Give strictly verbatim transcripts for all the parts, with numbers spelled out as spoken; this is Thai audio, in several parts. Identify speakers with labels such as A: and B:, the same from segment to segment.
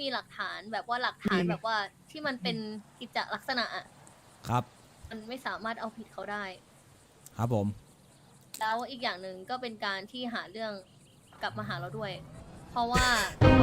A: มีหลักฐานแบบว่าหลักฐานแบบว่าที่มันเป็นกิจลักษณะอะ
B: ครับ
A: มันไม่สามารถเอาผิดเขาได้
B: ครับผม
A: แล้วอีกอย่างหนึ่งก็เป็นการที่หาเรื่องกลับมาหาเราด้วย เพราะว่า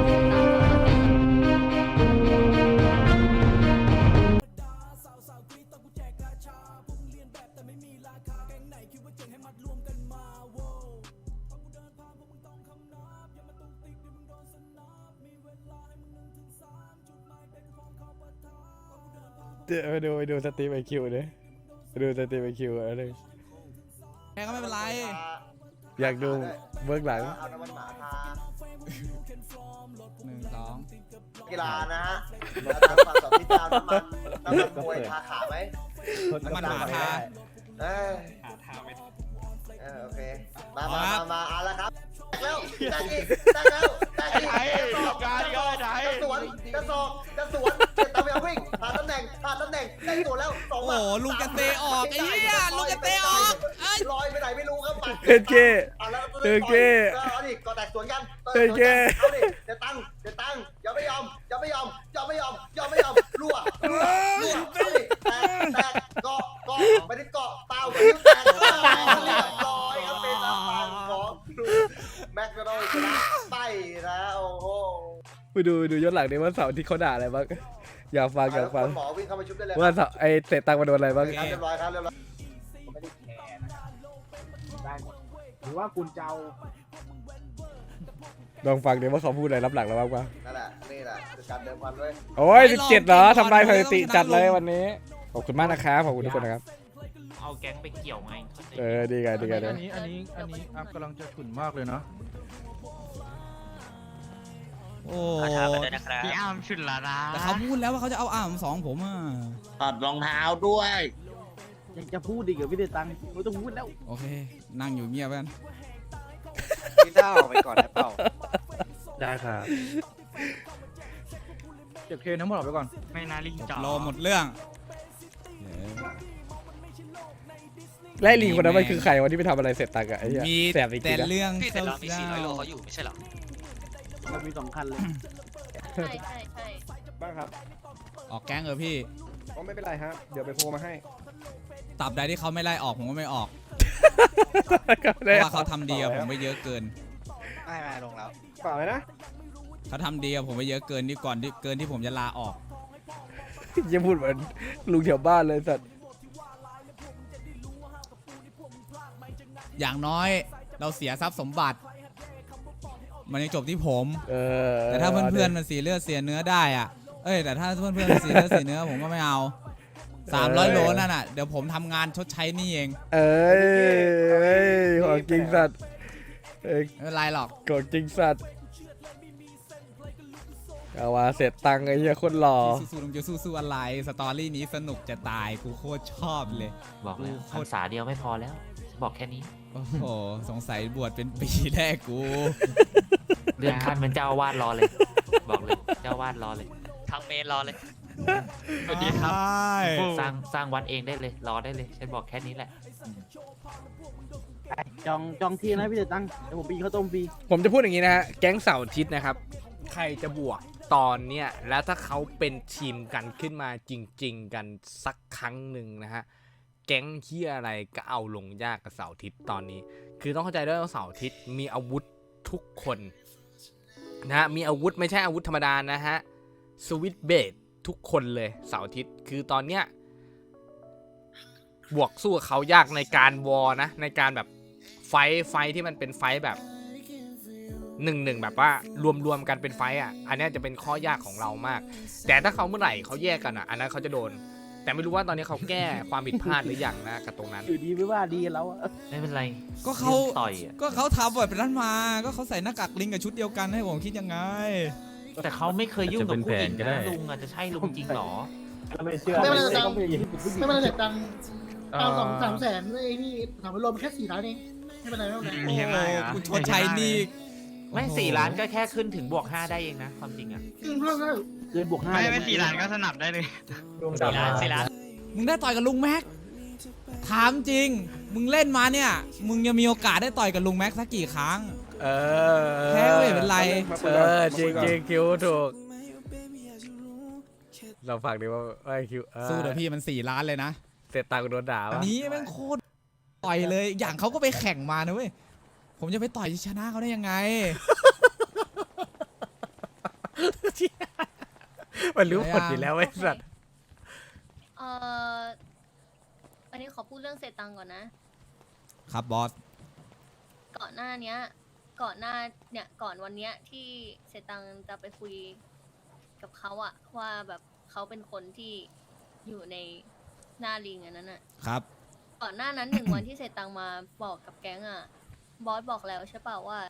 C: เดี๋ยวไปดูไปดูสตรีมไอคิวเลยไปดูสตรีมไอคิวอะไร
B: แค่ก็ไม่เป็นไร
C: อยากดูเบื้องหลัง
D: เอาน้ำมันหมาทา
B: หนึ่งสอง
D: กีฬานะฮะแล้วทางฝั่งสองพี่ดาวน้ำมันน้ำมันมวยทาขาไหม
B: น้ำมันหมาทา
D: เออ
E: หาทางไม่
D: เออโอเคมา
B: เอา
D: มา
B: ละ
D: มามาเอาละครับแล้วตั้งอีกตั้งแล้วตั้งอีก
E: ไอ้การก็ไอ้
D: จะสวนจะสอกจะสวนจะตะเวียวิ่งผ่านตำแหน่งผ่านตำแหน่งได้ตัวแล้วสอง
B: โอ้โหลูกกระเตะออกไอ้เหี้ยลูกกระเตะออกไอ้
D: ลอยไปไหนไม่รู้ครับปัด
C: เฮ้ยเก้
D: เอาแล้ว
C: เฮ้ยเก้
D: เอาดิก็แตกสวนกัน
C: เฮ้ยเก้
D: เอาดิเดี๋ยวตั้งเดี๋ยวตั้งอย่าไม่ยอมอย่าไม่ยอมอย่าไม่ยอมอย่าไม่ยอมรั่วรั่วรั่วเอาดิแตกแตกเกาะเกาะไม่ได้เกาะเปล่าไม่ได้แตกเรียบร้อยครับเป็นทางฝั่งของแม็กโดนัลด์ชนะไปนะโอ้โห
C: ไปดูไปดูย้อนหลังดิว่าเสาร์ที่เขาด่าอะไรบ้างอยากฟังอยากฟัง
D: หมอวิ่งเข้ามาชุบได้เลย
C: ว่าเสาร์ไอเตะตังมาโดนอะไรบ้าง
D: ครับเรียบร้อยครับเรียบร้อย
F: ไม่ได้แคร์นะครับได้หมดหรือว่าคุณเจ้า
C: ลองฟังดิว่าเขาพูดอะไรรับหลังเราบ้างปะ
D: นั่นแหละนี่แหละคือการเดิมพันด้วย
C: โอ้ยสิบเจ็ดเหรอทำลายสถิติจัดเลยวันนี้ขอบคุณมากนะครับขอบคุณทุกคนนะครับ
E: เอาแก๊งไปเกี่ยวไง
C: เออดีกันดีกัน
G: อันนี้อันนี้อันนี้อัพกำลังจะฉุนมากเลยเนาะ
B: โอ้
E: พี่อ้ามชุนละนะ
B: แต่เขาพูดแล้วว่าเขาจะเอาอ่ามสองผมอ่ะ
E: ถอดรองเท้าด้วย
F: ยังจะพูดดีกับพี่เดตังค์ไม่ต้องพูดแล้ว
B: โอเค นั่งอยู่เงียบกัน
D: พี่เต้าไปก่อนนะเปล่า
C: ได้ครับ
G: เก็บเคทั้งหมดออกไปก่อน
E: ไม่น่าลิงจ่อ
B: รอหมดเรื่อง
C: ไล่ลิงคนนั้นมันคือใครวันที่ไปทำอะไรเสร็จตังค์อะไอ้เหี้ย
B: มี
C: แสบจริ
B: แต่
C: งๆนะ
B: เรื่อง
H: พี่แต่เรามี
B: เศ
H: สี่ร้อยโล
B: ร้า
H: เขาอยู่ไม่ใช่เหรอ
F: มันมีสองคันเลย
A: ใช่ใช่ใช่
C: บ้างครับ
B: ออกแก๊งเออพี่
C: ก็ไม่เป็นไรฮะเดี๋ยวไปโทรมาให้
B: ตับใดที่เขาไม่ไล่ออกผมก็ไม่ออก
C: ก็
B: เพ
C: ได้
B: ราะว่าเขาทำดีกับผมไปเยอะเกิน
H: ไม่ไม่ลงแล้ว
C: เปล่าเลยนะ
B: เขาทำดีกับผมไปเยอะเกินที่ก่อนที่เกินที่ผมจะลาออก
C: ยังพูดเหมือนลุงแถวบ้านเลยสัตว์
B: อย่างน้อยเราเสียทรัพย์สมบัติ มันยังจบที่ผม
C: เออ
B: แต่ถ้าเพื่อนๆมันเสียเลือดเสียเนื้อได้อ่ะ เอ้ยแต่ถ้าเพื่อนๆมันเสียเลือดเสียเนื้อผมก็ไม่เอาสามร้อยโลนั่นน่ะเดี๋ยวผมทำงานชดใช้หนี่เอง
C: เอ้ยเอ้ยของจริงสัตว์เอ้ย
B: ไม่เป็นไรหรอก
C: ของจริงสัตว์เอาว่าเสร็จตังค์ไอ้เหี้ยคนหล่อ
B: สู้ๆลุงจะสู้ๆอะไรสตอรี่นี้สนุกจะตายกูโคตรชอบเลย
H: บอกแล้วพรรษาเดียวไม่พอแล้ว บอกแค่นี้
B: โอ้โหสงสัยบวชเป็นปีแรกกู
H: เลื่อนขั้นเป็นเจ้าอาวาดรอเลย บอกเลยเจ้าอาวาดรอเลยทางเมนรอเลย
B: สวัสดีครับ
H: สร้างสร้างวัดเองได้เลยรอได้เลยฉันบอกแค่นี้แหละ
F: จองจองที่นะพี่เดตังค์เดี๋ยวผมไปกินข้าวต้มฟรี
C: ผมจะพูดอย่างนี้นะฮะแก๊งเสาร์อาทิตย์นะครับใครจะบวกตอนเนี้ยแล้วถ้าเขาเป็นทีมกันขึ้นมาจริง ๆ กันสักครั้งหนึ่งนะฮะแก๊งเฮียอะไรก็เอาลงยากกับเสาร์อาทิตย์ตอนนี้ คือต้องเข้าใจด้วยว่าเสาร์อาทิตย์มีอาวุธทุกคนนะฮะมีอาวุธไม่ใช่อาวุธธรรมดานะฮะสวิตเบดทุกคนเลยเสาร์อาทิตย์คือตอนเนี้ยบวกสู้กับเขายากในการวอนะในการแบบไฟไฟที่มันเป็นไฟแบบหนึ่งหนึ่งแบบว่ารวมๆกันเป็นไฟอ่ะอันนี้จะเป็นข้อยากของเรามากแต่ถ้าเขาเมื่อไหร่เขาแยกกันอ่ะอันนั้นเขาจะโดนแต่ไม่รู้ว่าตอนนี้เขาแก้ความผิดพลาดหรือยังนะกับตรงนั้น
F: อยู่ดีไม่ว่าดีแล้วอะ
H: ไม่เป็นไร
B: ก็เขา
H: รื่องต่อยอะ
B: ก็เขาทำแบบนั้นมา ก็เขาใส่หน้ากากลิงกับชุดเดียวกันให้ผมคิดยังไง
H: แต่เขาไม่เคยยุ่งกับผู้หญิงนะลุงอาจจะใช่ลุงจริงเหรอ
F: ไม่เชื่อ
I: ไม่เป็นไร
F: ต้องไปยิง
I: ไม่เป็นไรเสร็จตังค์เอาสองสามแสนไอ้นี่ถามว่ารวมแค่สี่ล้านเองไม่เป็นไรไม่เป็นไร
B: โอ้โหคุณชดใช้หนี่
H: ไม่สี่ล้านก็แค่ขึ้นถึงบวกห้าได้เองนะความจริงอ่ะ
I: อืมเพิ่มเพิ่ม
F: เกินบวกห้า
E: ไม่ไม่สี่ล้านก็สนับได้เลย
H: สี่ล้านสี่ล้าน
B: มึงได้ต่อยกับลุงแม็ก ถามจริง มึงเล่นมาเนี่ย มึงยังมีโอกาสได้ต่อยกับลุงแม็กสักกี่ครั้ง
C: เออ
B: แพ้ก็ไม่เป็นไร
C: เออจริงจริงคิวถูกเราฟังดีว่าไอคิว
B: สู้เดี๋ยวพี่มันสี่ล้านเลยนะ
C: เสร็จตังค์โดนด่า
B: อัน
C: ปะ
B: นี้แม่งโคตรต่อยเลย อย่างเขาก็ไปแข่งมานะเว้ย ผมจะไปต่อยชนะเขาได้ยังไง
C: มันรู้ผลอยู่แล้วไอ้สัตว์
A: เอ่ออันนี้ขอพูดเรื่องเศษตังค์ก่อนนะ
B: ครับบอส
A: ก่อนหน้าเนี้ย ก่อนหน้าเนี่ยก่อนวันเนี้ยที่เศษตังค์จะไปคุยกับเขาอะว่าแบบเขาเป็นคนที่อยู่ในหน้าลิงอันนั้นอะ
B: ครับ
A: ก่อนหน้านั้นหนึ่ง วันที่เศษตังค์มาบอกกับแก๊งอะบอสบอกแล้วใช่เปล่าว่า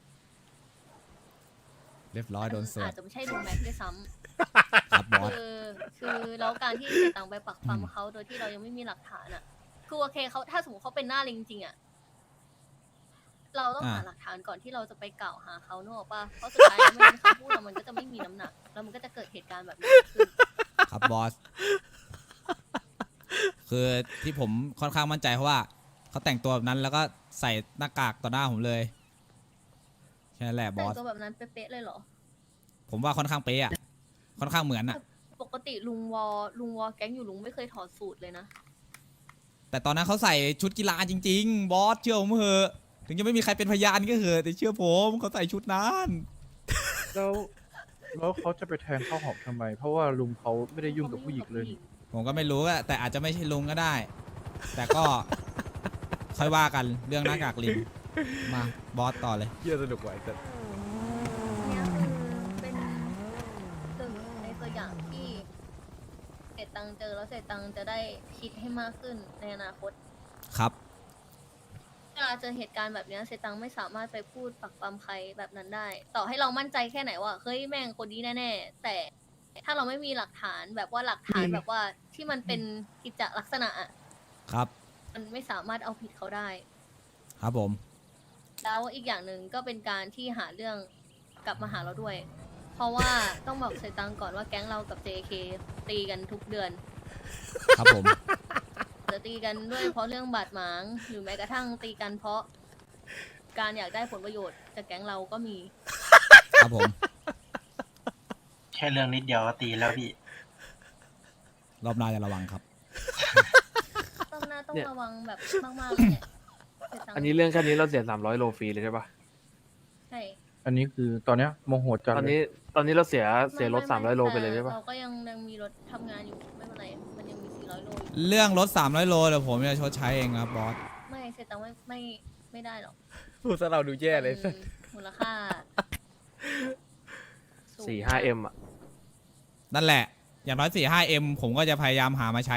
B: เรียบร้อยโดนเสิร์
A: อา
B: ฟ
A: จจะไม่ใช่ลุงแม็กซ์ด้วยซ้
B: ครับบอส
A: ำคือคือแล้วการที่เศษตังค์ไปปักปั๊มเขาโดยที่เรายังไม่มีหลักฐานอะคือโอเคเขาถ้าสมมติเขาเป็นหน้าลิงจริงอะเราต้องหา
B: อ่า
A: หลักฐานก่อนที่เราจะไปกล่าวหาเขาเนกอะป่ะเพราะสุดท้ายแล้วไม่งั้นคำพูดเรามันก็จะไม่มีน้ำหนักแล้วมันก็จะเกิดเหตุการณ์แบบนี้ขึ้น
B: ครับบอส คือที่ผมค่อนข้างมั่นใจเพราะว่าเขาแต่งตัวแบบนั้นแล้วก็ใส่หน้ากากต่อหน้าผมเลยแค่นั้นแหละบ
A: แต่
B: อง ส
A: ตัวแบบนั้นเป๊ะๆเลยเหรอ
B: ผมว่าค่อนข้างเป๊ะอะค่อนข้างเหมือนอะ
A: ปกติลุงวอลุงวอแก๊งอยู่ลุงไม่เคยถอดสูตรเลยนะ
B: แต่ตอนนั้นเขาใส่ชุดกีฬาจริง ๆ บอสเชื่อผมเถอะถึงจะไม่มีใครเป็นพยานก็เถอะแต่เชื่อผมเขาใส่ชุดนั้น
G: แล้วแล้วเขาจะไปแทงข้าวหอมทำไม เพราะว่าลุงเขาไม่ได้ยุ่งกับผู้หญิงเลยนี่
B: ผมก็ไม่รู้อะแต่อาจจะไม่ใช่ลุงก็ได้ แต่ก็ ค่อยว่ากันเรื่องหน้ากากลิงมาบอสต่อเลย
C: เยี่ยสนุกไว้สัตว์
A: เนี่ยคือเป็นหนึ่งในตัวอย่างที่เศษตังค์เจอแล้วเศษตังค์จะได้คิดให้มากขึ้นในอนาคต
B: ครับ
A: เวลาเจอเหตุการณ์แบบเนี้ยเศษตังค์ไม่สามารถไปพูดปักปั๊มใครแบบนั้นได้ ต่อให้เรามั่นใจแค่ไหนว่าเฮ้ยแม่งคนนี้แน่ๆแต่ถ้าเราไม่มีหลักฐานแบบว่าหลักฐานแบบว่าที่มันเป็นกิจลักษณะอะ
B: ครับ
A: มันไม่สามารถเอาผิดเขาได้
B: ครับผม
A: แล้วอีกอย่างหนึ่งก็เป็นการที่หาเรื่องกลับมาหาเราด้วย เพราะว่าต้องบอกเซตังก่อนว่าแก๊งเรากับ เจ เค ตีกันทุกเดือน
B: ครับผม
A: จะตีกันด้วยเพราะเรื่องบาดหมาง หรือแม้กระทั่งตีกันเพราะการอยากได้ผลประโยชน์จากแก๊งเราก็มี
B: ครับผม
E: แค่เรื่องนิดเดียวก็ตีแล้วพี่
B: รอบหน้าจะระวังครับ
A: ต้องหน้าต้องระวังแบบมากๆเลยแหละเซตัง
J: อันนี้เรื่องแค่นี้เราเสียสามร้อยโลฟรีเลยใช่ปะ
A: ใช่
G: อันนี้คือตอนเนี้ยโมโหจัด
J: ตอน
G: เล
J: นี้
G: ย
J: ตอนนี้เราเสียเสียรถ
A: ไม่
J: สามร้อยโลไปเลย
A: แต่
J: ใช่ปะ
A: เราก็ยังยังมีรถทำงานอยู่ไม่เป็นไรมันยังมีสี่ร้อยโลอยู่
B: เรื่องรถสามร้อยโลเดี๋ยวผมจะชดใช้เองครับบอส
A: ไม่เซตังไม่ไม่ไม่ได้หรอก
C: พูดซะเราดูแย่เลยสัตว์
A: มันมูลค่าสูง
J: สี่ห้าเอ็มอ่ะ
B: นั่นแหละ อย่างน้อยสี่ห้าเอ็มผมก็จะพยายามหามาใช้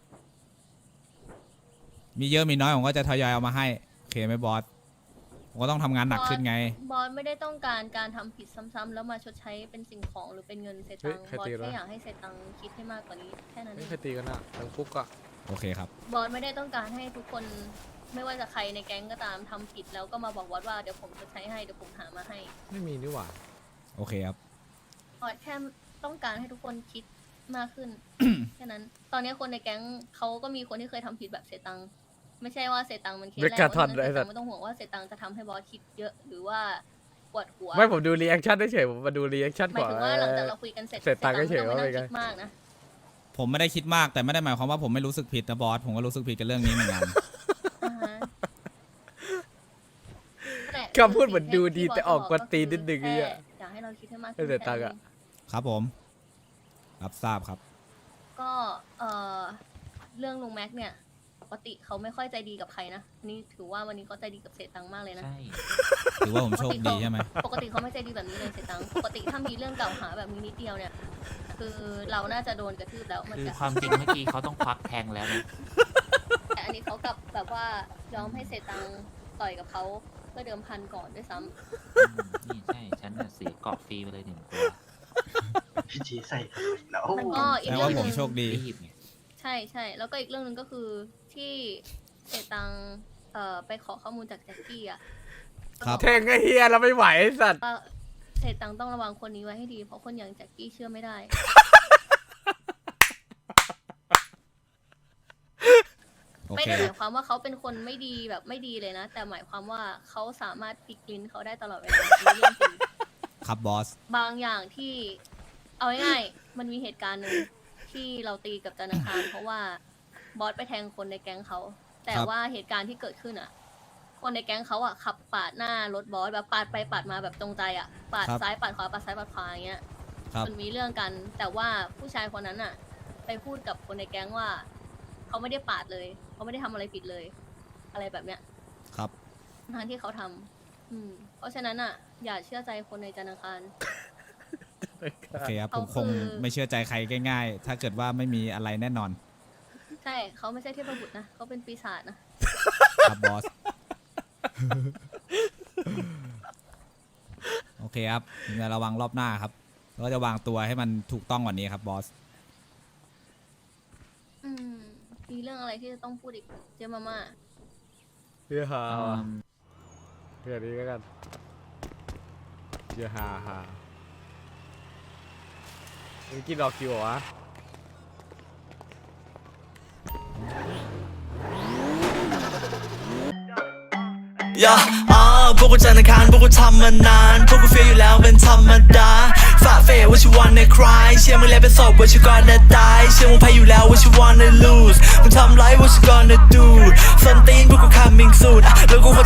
B: มีเยอะมีน้อยผมก็จะทยอยเอามาให้ โอเคไหมบอส ผมก็ต้องทำงานหนักขึ้นไง
A: บอสไม่ได้ต้องการการทำผิดซ้ำๆแล้วมาชดใช้เป็นสิ่งของหรือเป็นเงินเซตังบอสแค่อยากให้เซตังคิดให้มากกว่านี้แค่นั้นเอ
C: ไม่
A: ง
C: เคยตีกันอะทั้งคุกอะ
B: โอเคครับ
A: บอสไม่ได้ต้องการให้ทุกคนไม่ว่าจะใครในแก๊งก็ตามทำผิดแล้วก็มาบอกบอสว่าเดี๋ยวผมชดใช้ให้เดี๋ยวผมหามาให้
C: ไม่มีนี่หว่า
B: โอเคครับ
A: บอสแค่ต้องการให้ทุกคนคิดมากขึ้น แค่นั้น ตอนนี้คนในแก๊งเขาก็มีคนที่เคยทำผิดแบบเซตังไม่ใช่ว่าเซตังมันเคสแรก
C: เบคกาทอน
A: เพ
C: ด้วย
A: ราะฉะ
C: สั
A: นั้นเซตัง
C: ตว์
A: ไม่ต้องห่วงว่าเซตังจะทำให้บอสคิดเยอะหรือว่าปวดหัว
C: ไม่ผมดูรีแอคชั่นเฉยๆผมมาดูรีแอคชั่น
A: หมา
C: ก่
A: ย
C: อน
A: ถึงว่าหลังจากเราคุยกันเสร็จ
C: เสร็จตังค์ก็เฉย
A: ไม่
C: ว่า
A: ต้อง
C: เป็นไง
A: คิดมากนะ
B: ผมไม่ได้คิดมากแต่ไม่ได้หมายความว่าผมไม่รู้สึกผิดนะบอส ผมก็รู้สึกผิดกับเรื่องนี้เหมือนกัน
A: อ่าฮะแต่
C: คำพูดเหมือนดูดีแต่ออกกวนตีนนิดนึง
A: แค่
C: เนี่ย
A: อยากให้เราคิดให้มาก
C: ให้เสียตังค์อะ
B: ครับผม รับทราบครับ
A: ก็เอ่อเรื่องลุงแม็กเนี่ยปกติเขาไม่ค่อยใจดีกับใครนะอันนี่ถือว่าวันนี้เขาใจดีกับเศษตังค์มากเลยนะ
H: ใช่
B: ถือว่าผมโชคดีใช่ไหม
A: ปกติเขาไม่ใจดีแบบนี้เลยเศษตังค์ปกติถ้ามีเรื่องกล่าวหาแบบนี้นิดเดียวเนี่ย คือเราน่าจะโดนกระทืบแล้วเหมือน
H: คือ
A: กัน
H: ความจริงเมื่อกี้เขาต้องควักแทงแล้วนะ
A: แต่อันนี้เขากลับแบบว่ายอมให้เศษตังค์ต่อยกับเขาเพื่อเดิมพันก่อนด้วยซ้ำ
H: อืมนี่ใช่ ฉันน่ะเสียเกาะฟรีไปเลยหนึ่งตัว
E: พี่จีใส่ทำไมแล้ว
A: มันก็อีก
B: แต่
A: เรื่อ
B: ว่าง
A: ห
B: ผ
A: นึ่
B: ม
A: ง
B: โชคดี
H: รีบไง
A: ใช่ใช่แล้วก็อีกเรื่องหนึ่งก็คือที่เศษตังค์เอ่อไปขอข้อมูลจากแจ็คกี้อ่ะ
B: ครับ
C: แทงไอ้เฮียเราไม่ไหวไอ้สัตว์
A: ว่าเศษตังค์ต้องระวังคนนี้ไว้ให้ดี เพราะคนอย่างแจ็คกี้เชื่อไม่ได้
B: โอ
A: ไม่
B: เค
A: ได้หมายความว่าเขาเป็นคนไม่ดีแบบไม่ดีเลยนะ แต่หมายความว่าเขาสามารถพลิกลิ้นเขาได้ตลอดเวลาอันนี้เรื่องจริง
B: ครับบอส
A: บางอย่างที่เอาง่ายๆมันมีเหตุการณ์หนึ่งทที่เราตีกับจันทร์อังคารเพราะว่าบอสไปแทงคนในแก๊งเขาแต่
B: ครับ
A: ว่าเหตุการณ์ที่เกิดขึ้นอ่ะ คนในแก๊งเขาอ่ะขับปาดหน้ารถบอสแบบปาดไปปาดมาแบบตรงใจอ่ะปาด
B: ครับ
A: ซ้ายปาดขวาปาดซ้ายปาดขวาอย่างเงี้ย
B: ครับ
A: มันมีเรื่องกัน แต่ว่าผู้ชายคนนั้นอ่ะ ไปพูดกับคนในแก๊งว่าเขาไม่ได้ปาดเลยเขาไม่ได้ทำอะไรผิดเลย อะไรแบบเนี้ย
B: ครับ
A: ทั้งที่เขาทำอืม เพราะฉะนั้นอ่ะ อย่าเชื่อใจคนในจันทร์อังคาร
B: โอเคครับ ผม
A: เขา
B: คง
A: คือ
B: ไม่เชื่อใจใครง่ายๆ ถ้าเกิดว่าไม่มีอะไรแน่นอน
A: ใช่เขาไม่ใช่เทพบุตรนะเขาเป็นปีศาจนะ
B: ครับบอส โอเคครับผมจะระวังรอบหน้าครับแล้วก็จะวางตัวให้มันถูกต้องกว่านี้ครับบอส
A: อืม มีเรื่องอะไรที่จะต้องพูดอีกเจมาม่า
C: เพื่อหาเพื่อนี้ก็กันเพื่อหาหามึงกินดอกคิวเหรอวะ
K: ย่าอ่าพวกกูจันทร์อังคารพวกกูทำมานานพวกกูเฟียอยู่แล้วเป็นธรรมดาฝ่าเฟย what you wanna cry เชื่อมึงแล้วเป็นศพ what you gonna die เชื่อมึงแพ้อยู่แล้ว what you wanna lose มึงทำไร what you gonna do ส้นตีนพวกกู coming soon